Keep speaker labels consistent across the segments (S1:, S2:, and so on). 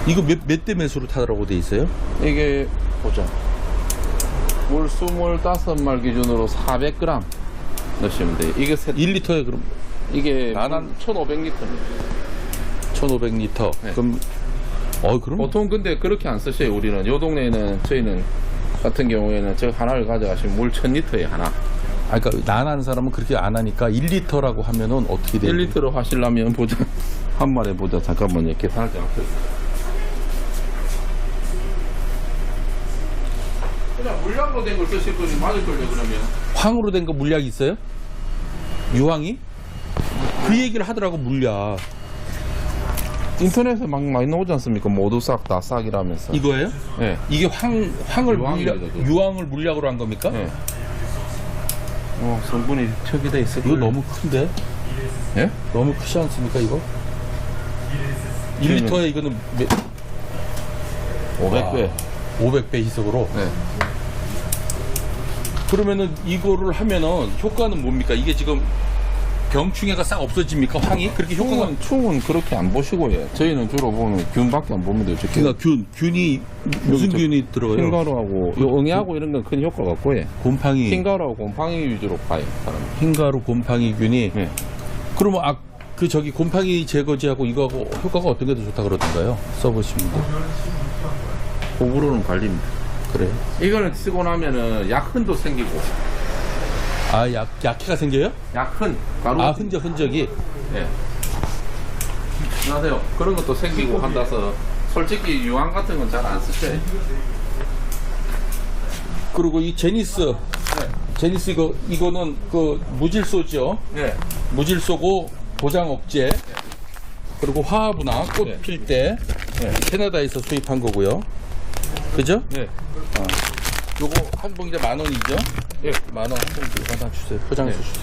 S1: 이거 몇 대 매수로 타라고 돼 있어요?
S2: 이게 보자. 물 25말 기준으로 400g 넣으시면 돼요. 이게
S1: 1리터에 그럼
S2: 이게
S1: 한
S2: 1,500리터입니다.
S1: 1,500리터.
S2: 네.
S1: 그럼 그럼
S2: 보통 근데 그렇게 안 쓰셔요. 우리는 요 동네에는 저희는 같은 경우에는 저 하나를 가져가시면 물 1,000리터에 하나.
S1: 그러니까 난하는 사람은 그렇게 안 하니까 1리터라고 하면은 어떻게 돼요?
S2: 1리터로 하시려면 보자. 한 마리 보자. 잠깐만요. 계산할 때 앞에. 그냥 물량으로 된 걸 쓰실 거니 맞을걸요 그러면.
S1: 황으로 된 거 물약 있어요? 유황이? 그 얘기를 하더라고 물약.
S2: 인터넷에 막 많이 나오지 않습니까? 모두 싹 다 싹이라면서.
S1: 이거예요?
S2: 네.
S1: 이게 황을
S2: 유황입니다,
S1: 물약,
S2: 그거.
S1: 유황을 물약으로 한 겁니까?
S2: 네. 성분이 척이돼 있을
S1: 이거
S2: 거예요.
S1: 너무 큰데?
S2: 예?
S1: 너무 크지 않습니까 이거? 1리터에 이거는
S2: 500배.
S1: 500배 희석으로.
S2: 네.
S1: 그러면은 이거를 하면은 효과는 뭡니까? 이게 지금 병충해가 싹 없어집니까? 황이? 그렇게 효과가.
S2: 충은 그렇게 안 보시고 요 저희는 주로 보면 균밖에 안 보면 돼요.
S1: 그러니까 균이 무슨 균이 들어가요?
S2: 흰가루하고 요 응애하고 이런 건 큰 효과가 없고 요
S1: 곰팡이.
S2: 흰가루하고 곰팡이 위주로 봐요. 사람.
S1: 흰가루 곰팡이균이.
S2: 네.
S1: 그러면 곰팡이 제거제하고 이거하고 효과가 어떤 게 더 좋다 그러던가요? 써보시면 돼요.
S2: 호불호는 갈립니다.
S1: 그래요?
S2: 이거는 쓰고 나면은 약흔도 생기고.
S1: 약해가 생겨요?
S2: 약흔. 가루.
S1: 흔적이.
S2: 네. 안녕하세요. 그런 것도 생기고 한다서 솔직히 유황 같은 건 잘 안 쓰셔요.
S1: 그리고 이 제니스.
S2: 네.
S1: 제니스 이거는 그 무질소죠.
S2: 네.
S1: 무질소고 보장 억제. 그리고 화합이나 꽃
S2: 네.
S1: 필 때 캐나다에서 수입한 거고요. 그죠?
S2: 네.
S1: 요거 한 봉지에 10,000원이죠?
S2: 예.
S1: 10,000원 한 봉지 하나 주세요. 포장해서
S2: 네.
S1: 주세요.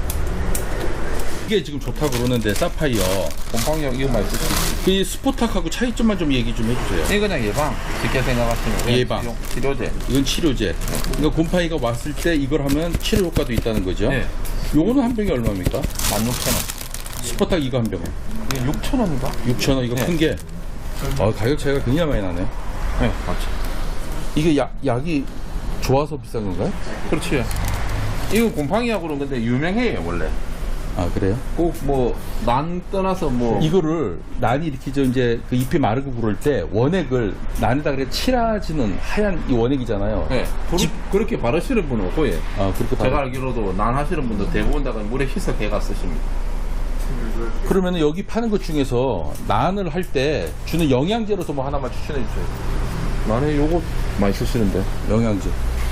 S1: 이게 지금 좋다고 그러는데 사파이어.
S2: 곰팡이하고 이거 많이 쓰시죠.
S1: 이 스포탁하고 차이점만 좀 얘기 좀 해주세요.
S2: 이거 그냥 예방. 쉽게 생각하시면.
S1: 예방.
S2: 치료제.
S1: 이건 치료제. 그러니까 곰팡이가 왔을 때 이걸 하면 치료 효과도 있다는 거죠?
S2: 네.
S1: 요거는 한 병이 얼마입니까?
S2: 16,000원.
S1: 스포탁 이거 한 병은?
S2: 이게 6,000원인가?
S1: 6,000원 이거
S2: 네.
S1: 큰 게. 가격 차이가 굉장히 많이 나네.
S2: 네, 맞죠.
S1: 이게 약이 좋아서 비싼 건가요?
S2: 그렇지. 이거 곰팡이하고 그런 건데 유명해요, 원래.
S1: 그래요?
S2: 꼭 난 떠나서
S1: 이거를 난이 이렇게 이제 그 잎이 마르고 그럴 때 원액을 난에다 그래 칠하지는 하얀 이 원액이잖아요.
S2: 네. 그렇게 바르시는 분은 없고, 예.
S1: 그렇게
S2: 제가 알기로도 난 하시는 분들 대부분 다 물에 희석해가 쓰십니다.
S1: 그러면 여기 파는 것 중에서 난을 할 때 주는 영양제로서 뭐 하나만 추천해 주세요.
S2: 난에 요거 많이 쓰시는데.
S1: 영양제.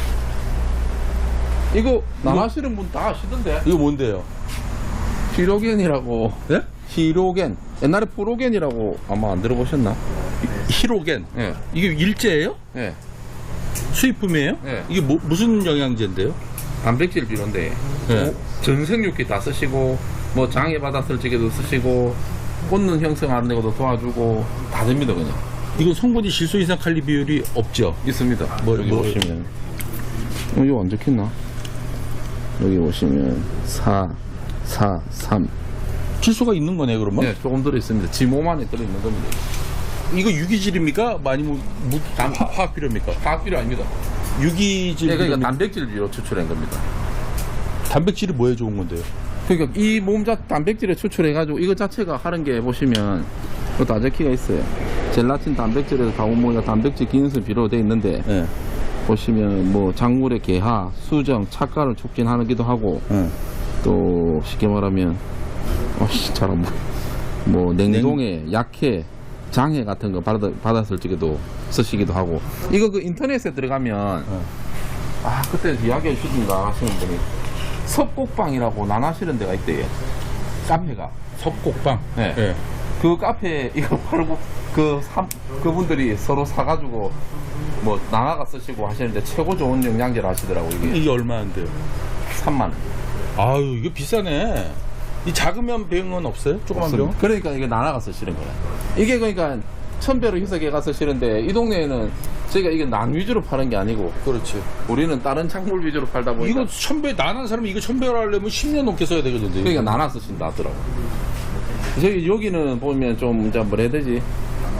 S2: 이거 난 하시는 분 다 아시던데.
S1: 이거 뭔데요?
S2: 히로겐이라고.
S1: 네?
S2: 히로겐. 옛날에 프로겐이라고 아마 안 들어보셨나?
S1: 히로겐.
S2: 예.
S1: 이게 일제예요?
S2: 예.
S1: 수입품이에요?
S2: 네.
S1: 이게 무슨 영양제인데요?
S2: 단백질 비료인데.
S1: 네.
S2: 전생육기 다 쓰시고, 장애 받았을 적에도 쓰시고, 꽂는 형성하는 데도 도와주고, 다 됩니다, 그냥.
S1: 이건 성분이 질소 이상 칼리 비율이 없죠?
S2: 있습니다. 여기
S1: 뭐-
S2: 보시면. 이거 안 적혔나? 여기 보시면, 4, 4, 3.
S1: 질소가 있는 거네 그러면?
S2: 네, 조금 들어있습니다. 지 몸 안에 들어있는 겁니다.
S1: 이거 유기질입니까? 아니면 화학 비료입니까?
S2: 화학 비료 아닙니다.
S1: 유기질
S2: 네, 그러니까
S1: 비료입니까?
S2: 단백질 비료 추출한 겁니다.
S1: 단백질이 뭐에 좋은 건데요?
S2: 그러니까 이 단백질을 추출해가지고 이거 자체가 하는 게 보시면 또 다 적혀가 있어요. 젤라틴 단백질에서 가공모가 단백질 기능성 비료로 되어 있는데
S1: 네.
S2: 보시면 작물의 개화, 수정, 착과를 촉진하기도 하고 또 쉽게 말하면 잘 안 보여. 냉동에 약해, 장애 같은 거 받았을 적에도 쓰시기도 하고 이거 그 인터넷에 들어가면 그때 이야기해 주신가 하시는 분이 섭곡방이라고 난하시는 데가 있대요. 카페가.
S1: 섭곡방.
S2: 네.
S1: 네.
S2: 그 카페 이거 팔고 그분들이 서로 사가지고 나나가 쓰시고 하시는데 최고 좋은 영양제를 하시더라고. 이게
S1: 이게 얼마인데요?
S2: 3만 원.
S1: 아유 이거 비싸네. 이 작으면 병은 없어요? 조그만 병?
S2: 그러니까 이게 나나가 쓰시는 거야. 이게 그러니까 1000배로 희석해가 쓰시는데 이 동네에는 저희가 이게 난 위주로 파는 게 아니고
S1: 그렇지.
S2: 우리는 다른 작물 위주로 팔다 보니까
S1: 이거 1000배 난한 사람이 이거 1000배로 하려면 10년 넘게 써야 되거든요.
S2: 그러니까 나나 쓰신다 하더라고. 저기 여기는 보면 좀 이제 뭐라 해야 되지?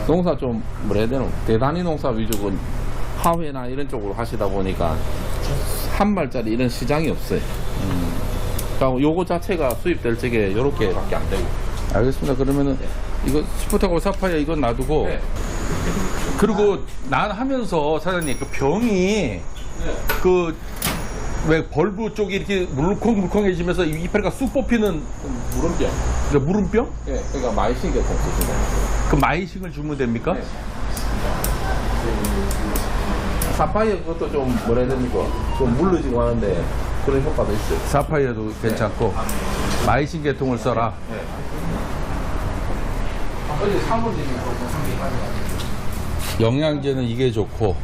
S2: 농사 좀 뭐라 해야 되나 대단위 농사 위주고 하회나 이런 쪽으로 하시다 보니까 한 말짜리 이런 시장이 없어요. 그러니까 요거 자체가 수입될 적에 요렇게밖에 안 되고.
S1: 알겠습니다. 그러면은 이거 스포타고 사파이어 이건 놔두고
S2: 네.
S1: 그리고 난 하면서 사장님 그 병이 그 왜 벌브 쪽이 이렇게 물컹물컹해지면서 이파리가 쑥 뽑히는
S2: 물음병.
S1: 그 물음병?
S2: 네, 그러니까 마이신 계통 쓰시면.
S1: 그 마이싱을 주면 됩니까?
S2: 네. 사파이어 그것도 좀 뭐라 해야 됩니까? 좀 물르지고 하는데 그런 효과도 있어요.
S1: 사파이어도 괜찮고 마이싱 계통을 써라.
S2: 네. 어제 사무실이
S1: 영양제는 이게 좋고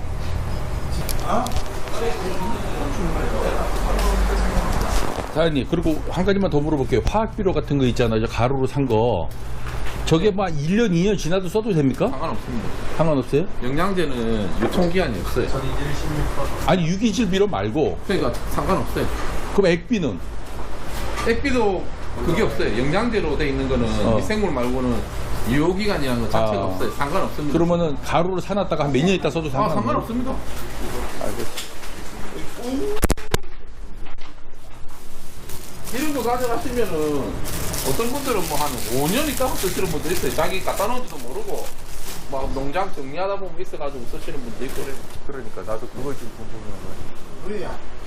S1: 사장님 그리고 한 가지만 더 물어볼게요. 화학비료 같은 거 있잖아요. 저 가루로 산 거 저게 막 1년 2년 지나도 써도 됩니까?
S2: 상관없습니다.
S1: 상관없어요?
S2: 영양제는 유통기한이 없어요.
S1: 아니 유기질 비료 말고
S2: 그러니까 상관없어요.
S1: 그럼 액비는?
S2: 액비도 그게 없어요. 영양제로 돼 있는 거는 미생물 말고는 유효기간이라는 것 자체가
S1: 아.
S2: 없어요. 상관없습니다.
S1: 그러면은 가루를 사놨다가 한 몇 년 있다 써도
S2: 상관없습니다. 이런 거 가져가시면은 어떤 분들은 뭐 한 5년 있다가 쓰시는 분들 있어요. 자기 갖다 놓은지도 모르고 막 농장 정리하다 보면 있어가지고 쓰시는 분도 있고 그래요.
S1: 그러니까 나도 그걸 좀 궁금한 거야.